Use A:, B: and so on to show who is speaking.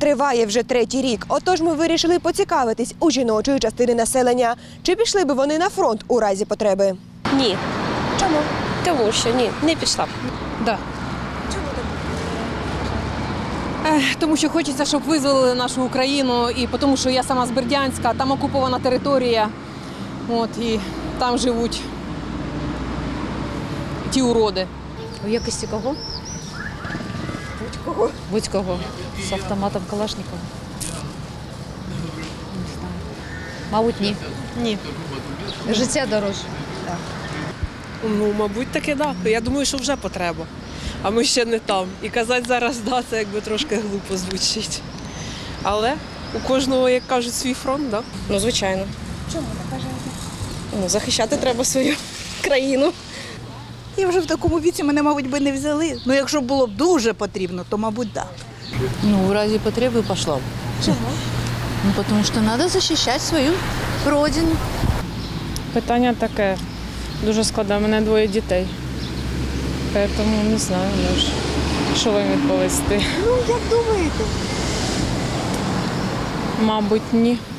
A: триває вже 3-й рік. Отож ми вирішили поцікавитись у жіночої частини населення. Чи пішли би вони на фронт у разі потреби?
B: Ні.
A: Чому?
B: Тому що ні, не пішла б.
C: Да. Тому що хочеться, щоб визволили нашу Україну, і тому що я сама з Бердянська, там окупована територія, і там живуть ті уроди.
D: У якості кого?
A: Будь-кого.
D: Будь-кого. З автоматом Калашникова. Не знаю. Мабуть, ні.
C: Ні.
D: Життя дорожче.
E: Ну, мабуть, таки да. Я думаю, що вже потреба. А ми ще не там. І казати зараз да, це якби трошки глупо звучить. Але у кожного, як кажуть, свій фронт, да?
B: Ну, звичайно.
A: Чому так вважаєте?
B: Ну, захищати треба свою країну.
F: І вже в такому віці мене, мабуть, би не взяли. Ну, якщо було б дуже потрібно, то, мабуть, так.
G: Ну, в разе потребы пошла бы.
A: Чому?
G: Ну, потому что надо защищать свою родину.
H: Питання таке дуже складне. У мене 2 дітей. Тому не знаю, що вам відповісти.
F: Ну, як думаєте?
H: Мабуть, ні.